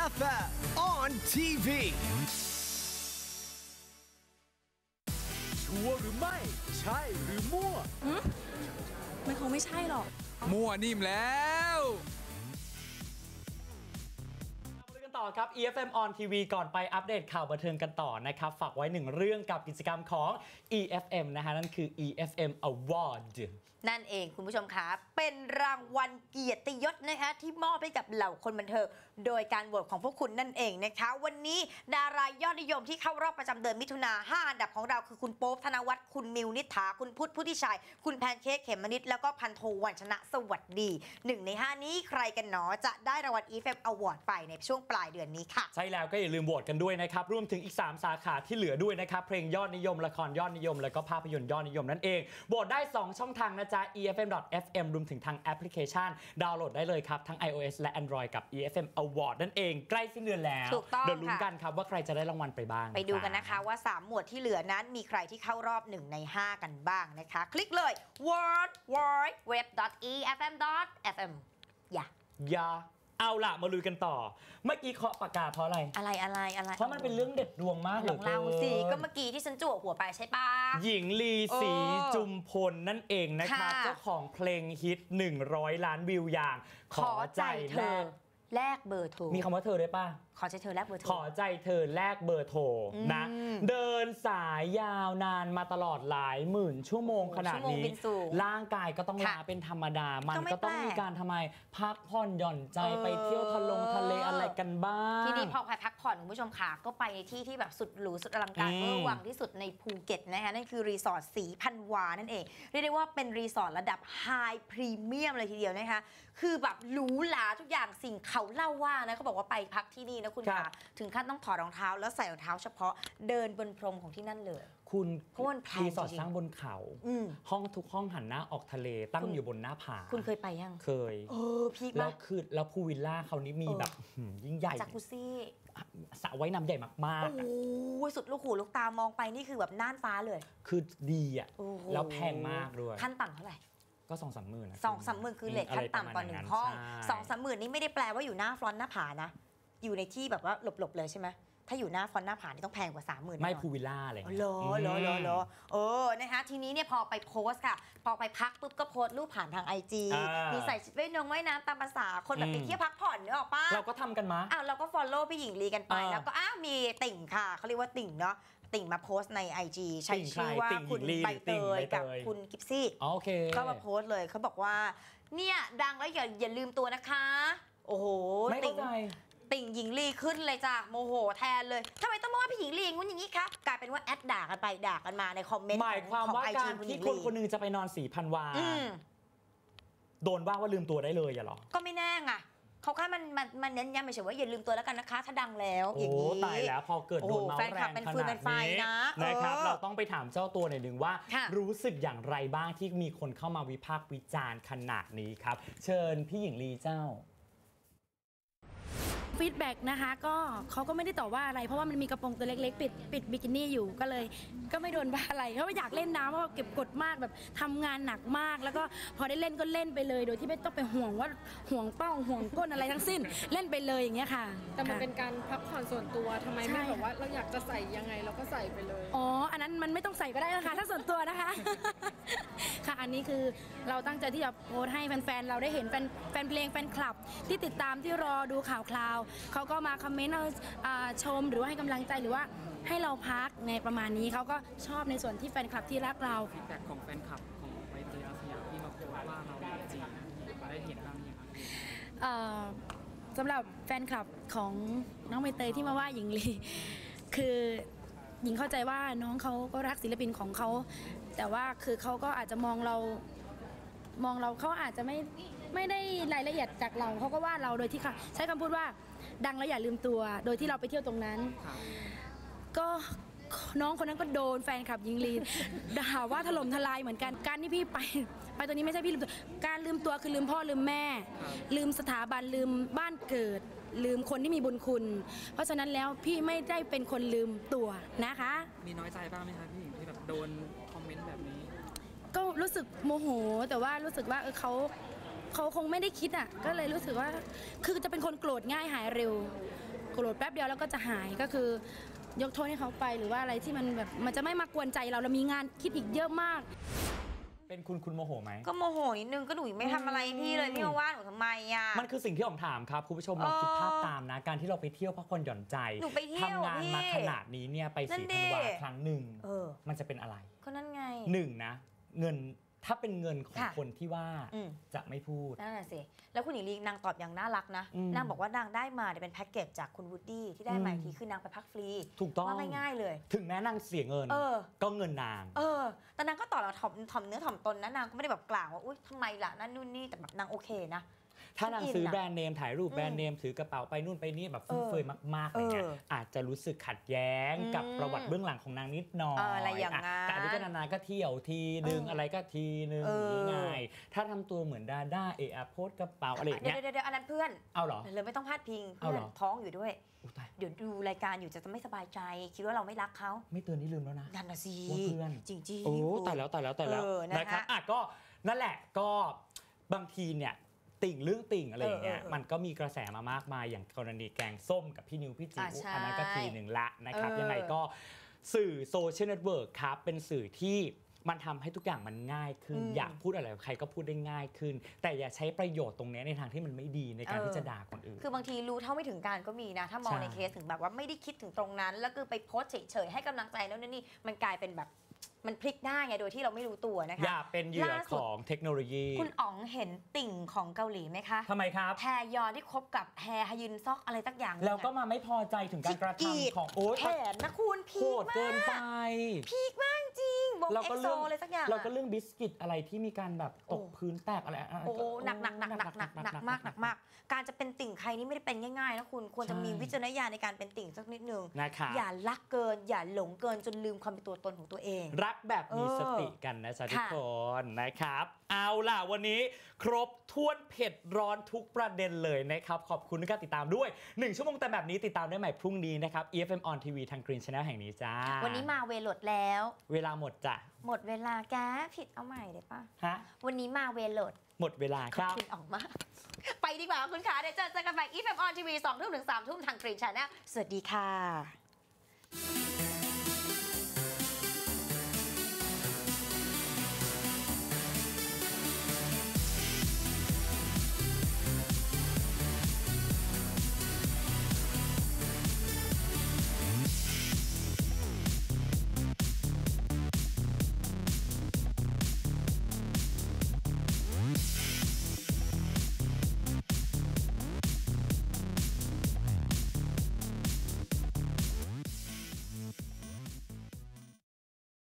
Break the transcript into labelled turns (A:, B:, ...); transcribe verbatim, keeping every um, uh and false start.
A: เอฟ เอ็ม on ที วี ชัวร์หรือไม่ใช่หรือมั่ว
B: มันคงไม่ใช่หรอก
C: มั่วนิ่มแล้ว
D: ต่อครับ อี เอฟ เอ็ม on ที วี ก่อนไปอัปเดตข่าวบันเทิงกันต่อนะครับฝากไว้หนึ่งเรื่องกับกิจกรรมของ อี เอฟ เอ็ม นะฮะนั่นคือ อี เอฟ เอ็ม Award
E: นั่นเองคุณผู้ชมคะเป็นรางวัลเกียรติยศนะคะที่มอบให้กับเหล่าคนบันเทิงโดยการโหวตของพวกคุณนั่นเองนะคะวันนี้ดารายอดนิยมที่เข้ารอบประจำเดือนมิถุนาห้าอันดับของเราคือคุณโป๊ปธนวัฒน์คุณมิวนิษฐาคุณพุทธพุทธิชัยคุณแพนเค้กเขมมนิดแล้วก็พันโทวันชนะสวัสดีหนึ่งในห้านี้ใครกันหนอจะได้รางวัล อี เอฟ เอ็ม Award ไปในช่วงปลายเดือนนี้ค่ะ
D: ใช่แล้วก็อย่าลืมโหวตกันด้วยนะครับรวมถึงอีกสามสาขาที่เหลือด้วยนะครับเพลงยอดนิยมละครยอดนิยมแล้วก็ภาพยนตร์ยอดนิยมนั่นเองโหวตได้สองช่องทางนะจ๊ะ อี เอฟ เอ็ม ดอท เอฟ เอ็ม รวมถึงทางแอปพลิเคชันดาวน์โหลดได้เลยครับทั้ง iOS และ Android กับ อี เอฟ เอ็ม Award นั่นเองใกล้สิ้นเดือนแล้วเดี๋ยวลุ้นกันครับว่าใครจะได้รางวัลไปบ้าง
E: ไปดูกันนะคะว่าสามหมวดที่เหลือนั้นมีใครที่เข้ารอบหนึ่งในห้ากันบ้างนะคะคลิกเลย world wide web dot e f m dot f m อย่า
D: อย่าเอาล่ะมาลุยกันต่อเมื่อกี้เคาะปากกาเพราะอะไร
E: อะไรอะไรอะไร
D: เพราะมันเป็นเรื่องเด็ดดวงมาก
E: ของเราสิก็เมื่อกี้ที่ฉันจั่วหัวไปใช่ปะ
D: หญิงลีศรีจุมพลนั่นเองนะครับเจ้าของเพลงฮิตหนึ่งร้อยล้านวิวอย่าง
E: ขอใจเธอแลกเบอร์โทร
D: มีคำว่าเธอได้ป่ะ
E: ขอใจเธอแลกเบอร์โทร
D: ขอใจเธอแลกเบอร์โทรนะเดินสายยาวนานมาตลอดหลายหมื่นชั่วโมงขนาดนี้ร่างกายก็ต้องล้าเป็นธรรมดามันก็ต้องมีการทำไมพักผ่อนหย่อนใจไปเที่ยวทะลงทะเลอะไรกันบ้าง
E: ที่นี่พอใครพักผ่อนคุณผู้ชมค่ะก็ไปในที่ที่แบบสุดหรูสุดอลังการเวอร์วังที่สุดในภูเก็ตนะคะนั่นคือรีสอร์ทสีพันวานั่นเองเรียกได้ว่าเป็นรีสอร์ทระดับไฮพรีเมียมเลยทีเดียวนะคะคือแบบหรูหราทุกอย่างสิ่งเขาเล่าว่านะเขาบอกว่าไปพักที่นี่นะคุณค่ะถึงขั้นต้องถอดรองเท้าแล้วใส่รองเท้าเฉพาะเดินบนพรมของที่นั่นเลย
D: คุณ
E: เพราะมันแพง
D: รีสอร์ทสร้างบนเขาห้องทุกห้องหันหน้าออกทะเลตั้งอยู่บนหน้าผา
E: คุณเคยไปยัง
D: เคย
E: เออพีคมาก
D: แล้วคือแล้วพูวิลล่าเขานี้มีแบบยิ่งใหญ่
E: จากกุซี่
D: สระว่ายน้ำใหญ่มาก
E: ๆโอ้สุดลูกหูลูกตามองไปนี่คือแบบน่านฟ้าเลย
D: คือดีอ่ะแล้วแพงมากด้วย
E: ขั้นต่ำเท่าไหร่
D: ก็สองสามหมื่น
E: สองสามหมื่นคือเลทขั้นต่ำต่อหนึ่งห้องสองสามหมื่นนี่ไม่ได้แปลว่าอยู่หน้าฟรอนต์หน้าผานะอยู่ในที่แบบว่าหลบๆเลยใช่ไหมถ้าอยู่หน้าฟอนต์หน้าผานี่ต้องแพงกว่า สามหมื่น
D: ไม่พูวิลล่าอะไร
E: เหรอเหรอเหรอเหรอเออนะคะทีนี้เนี่ยพอไปโพสค่ะพอไปพักปุ๊บก็โพสรูปผ่านทาง ไอ จี มีใส่ชุดว่ายน้ำว่ายน้ำตามภาษาคนแบบไปเที่ยวพักผ่อนเนอะออกป้า
D: เราก็ทำกันมา
E: อ้าวเราก็ฟอลโล่พี่หญิงลีกันไปแล้วก็อ้าวมีติ่งค่ะเขาเรียกว่าติ่งเนาะติ่งมาโพสใน ไอ จี ใช้ชื่อว่าคุณใบเตยกับคุณกิฟซี่ก็มาโพสเลยเขาบอกว่าเนี่ยดังแล้วอย่าอย่าลืมตัวนะคะโอ้โห
D: ติ่ง
E: ติ่งหญิงลีขึ้นเลยจ้ะโมโหแทนเลยทำไมต้องมาว่าพี่หญิงลีอย่างงี้อย่างนี้ครับกลายเป็นว่าแอดด่ากันไปด่ากันมาในคอมเมนต์
D: หมายความว่าการที่คนคนนึงจะไปนอนสี่พันวาโดนว่าว่าลืมตัวได้เลยอย่าหรอ
E: ก็ไม่แน่ไงเขาแค่มันมันมันเน้นย้ำเฉยว่าอย่าลืมตัวแล้วกันนะคะถ้าดังแล้วอย่างนี้
D: ตายแล้วพอเกิดโดนเมาแรงขนาดนี้นะครับเราต้องไปถามเจ้าตัวหน่อยหนึ่งว่ารู้สึกอย่างไรบ้างที่มีคนเข้ามาวิพากษ์วิจารณ์ขนาดนี้ครับเชิญพี่หญิงลีเจ้า
B: ฟีดแบ็กนะคะก็เขาก็ไม่ได้ต่อว่าอะไรเพราะว่ามันมีกระโปรงตัวเล็กๆปิดปิดบิกินี่อยู่ก็เลยก็ไม่โดนว่าอะไรเพราะว่าอยากเล่นน้ำเพราะว่าเก็บกดมากแบบทำงานหนักมากแล้วก็พอได้เล่นก็เล่นไปเลยโดยที่ไม่ต้องไปห่วงว่าห่วงเป้าห่วงก้นอะไรทั้งสิ้นเล่นไปเลยอย่างเงี้ยค่ะ
F: แต่มันเป็นการพักผ่อนส่วนตัวทำไมไม่แบบว่าเราอยากจะใส่ยังไงเราก็ใส่ไปเลย
B: อ๋ออันนั้นมันไม่ต้องใส่ก็ได้นะคะถ้าส่วนตัวนะคะค่ะอันนี้คือเราตั้งใจที่จะโพสให้แฟนๆเราได้เห็นแฟนแฟนเพลงแฟนคลับที่ติดตามที่รอดูข่าวคราวเขาก็มาคอมเมนต์ชมหรือว่าให้กำลังใจหรือว่าให้เราพักในประมาณนี้เขาก็ชอบในส่วนที่แฟนคลับที่รักเรา
F: ฟีดแบ็กของแฟนคลับของใบเตยอาสยามที่มาโพสว่าเราจริงได้เห็นบ้างยัง
B: สำหรับแฟนคลับของน้องใบเตยที่มาว่าหญิงลีคือหญิงเข้าใจว่าน้องเขาก็รักศิลปินของเขาแต่ว่าคือเขาก็อาจจะมองเรามองเราเขาอาจจะไม่ไม่ได้รายละเอียดจากเราเขาก็ว่าเราโดยที่ค่ะใช้คำพูดว่าดังแล้วอย่าลืมตัวโดยที่เราไปเที่ยวตรงนั้นก็น้องคนนั้นก็โดนแฟนคลับหญิงลีด่าว่าถล่มทลายเหมือนกันการที่พี่ไปไปตัวนี้ไม่ใช่พี่ลืมตัวการลืมตัวคือลืมพ่อลืมแม่ลืมสถาบันลืมบ้านเกิดลืมคนที่มีบุญคุณเพราะฉะนั้นแล้วพี่ไม่ได้เป็นคนลืมตัวนะคะ
F: มีน้อยใจบ้างไหมคะพี่หญิงที่แบบโดนคอมเมนต์แบบนี้
B: ก็รู้สึกโมโหแต่ว่ารู้สึกว่าเออเขาเขาคงไม่ได้คิดอ่ะก็เลยรู้สึกว่าคือจะเป็นคนโกรธง่ายหายเร็วโกรธแป๊บเดียวแล้วก็จะหายก็คือยกโทษให้เขาไปหรือว่าอะไรที่มันแบบมันจะไม่มากวนใจเราเรามีงานคิดอีกเยอะมาก
D: เป็นคุณคุณโมโหไหม
E: ก็โมโหนิดนึงก็หนูไม่ทำอะไรพี่เลยพี่มาว่าหนูทำไมอ่ะ
D: มันคือสิ่งที่ผมถามครับคุณผู้ชมลองคิดภาพตามนะการที่เราไปเที่ยวพักผ่อนหย่อนใจทำงานมาขนาดนี้เนี่ยไปสีธันวาครั้งหนึ่งมันจะเป็นอะไร
E: ก็นั่นไง
D: หนึ่งนะเงินถ้าเป็นเงินของคนที่ว่าจะไม่พูด
E: นั่นแหละสิแล้วคุณหญิงลีนางตอบอย่างน่ารักนะนางบอกว่านางได้มาเป็นแพ็กเกจจากคุณวูดดี้ที่ได้มาทีคือนางไปพักฟรี
D: ถูกต้อง
E: ว่าง่ายๆเลย
D: ถึงแม้นางเสียเงินก็เงินนาง
E: เออแต่นางก็ตอบเราถ่อมถ่อมเนื้อถ่อมตนนะนางก็ไม่ได้แบบกล่าวว่าอุ้ยทำไมล่ะนั่นนู่นนี่แต่แบบนางโอเคนะ
D: ถ้านางซื้อแบรนด์เนมถ่ายรูปแบรนด์เนมถือกระเป๋าไปนู่นไปนี่แบบฟุ่มเฟือยมากๆอะไรเงี้ยอาจจะรู้สึกขัดแย้งกับประวัติเบื้องหลังของนางนิดหน่อย
E: อะไรอย่างนั้น
D: แต่อันนี้ก็นานๆก็เที่ยวทีนึงอะไรก็ทีนึงง่ายถ้าทำตัวเหมือนดาด้าเอะโพสกระเป๋าอะไรอย่างเงี้ย
E: เดี๋ยวๆอันนั้นเพื่อน
D: เอาเหรอ
E: เลยไม่ต้องพาดพิงเพื่อนท้องอยู่ด้วยเดี๋ยวดูรายการอยู่จะไม่สบายใจคิดว่าเราไม่รักเขา
D: ไม่เตือนนี่ลืมแล้วนะ
E: นั่นน่ะสิ
D: เพื่อน
E: จริงๆ
D: โอ้ตายแล้วตายแล้วตายแล้วนะครับอ่ะก็นั่นแหละก็บางทีเนี่ยติ่งเรื่องติ่งอะไรอย่างเงี้ยมันก็มีกระแสมามากมายอย่างกรณีแกงส้มกับพี่นิวพี่จิ๋วอันนั้นก็ทีหนึ่งละนะครับยังไงก็สื่อโซเชียลเน็ตเวิร์กครับเป็นสื่อที่มันทำให้ทุกอย่างมันง่ายขึ้นอยากพูดอะไรใครก็พูดได้ง่ายขึ้นแต่อย่าใช้ประโยชน์ตรงนี้ในทางที่มันไม่ดีในการที่จะด่าคนอื่น
E: คือบางทีรู้เท่าไม่ถึงการก็มีนะถ้ามองในเคสถึงแบบว่าไม่ได้คิดถึงตรงนั้นแล้วคือไปโพสเฉยๆให้กำลังใจแล้วนี่มันกลายเป็นแบบมันพลิกได้ไงโดยที่เราไม่รู้ตัวนะคะ
D: อย่าเป็นเหยื่อของเทคโนโลยี
E: คุณอ๋องเห็นติ่งของเกาหลีไหมคะ
D: ทำไมครับ
E: แฮยอนที่คบกับแฮฮยุนซอกอะไรสักอย่าง
D: แล้วก็มาไม่พอใจถึงการกระทำของโอ๊
E: ตแขนนะคุณพี
D: คมากเกินไป
E: พีคมากจริงวงเอ็กโซอะไรสักอย่าง
D: เราก็เรื่องบิสกิตอะไรที่มีการแบบตกพื้นแตกอะไร
E: โอ้หนักหนักหนักหนักหนักหนักมากหนักมากการจะเป็นติ่งใครนี่ไม่ได้เป็นง่ายๆนะคุณควรจะมีวิจารณญาณในการเป็นติ่งสักนิดนึงอย่ารักเกินอย่าหลงเกินจนลืมความเป็นตัวตนของตัวเอง
D: รักแบบมีสติกันนะจ๊ะทุกคนนะครับเอาล่ะวันนี้ครบถ้วนเผ็ดร้อนทุกประเด็นเลยนะครับขอบคุณที่ติดตามด้วยหนึ่งชั่วโมงแต่แบบนี้ติดตามได้ใหม่พรุ่งนี้นะครับ อี เอฟ เอ็ม on ที วี ทาง Green Channel แห่งนี้จ้า
E: วันนี้มาเวลดแล้ว
D: เวลาหมดจ้ะ
E: หมดเวลาแกผิดเอาใหม่ได้ปะ
D: ฮะ
E: วันนี้มาเวลด
D: หมดเวลาครับ
E: คุณออกมาไปดีกว่าคุณขาเดี๋ยวเจอกันใหม่ อี เอฟ เอ็ม on ที วี สองทุ่มถึงสามทุ่มทาง Green Channel สวัสดีค่ะ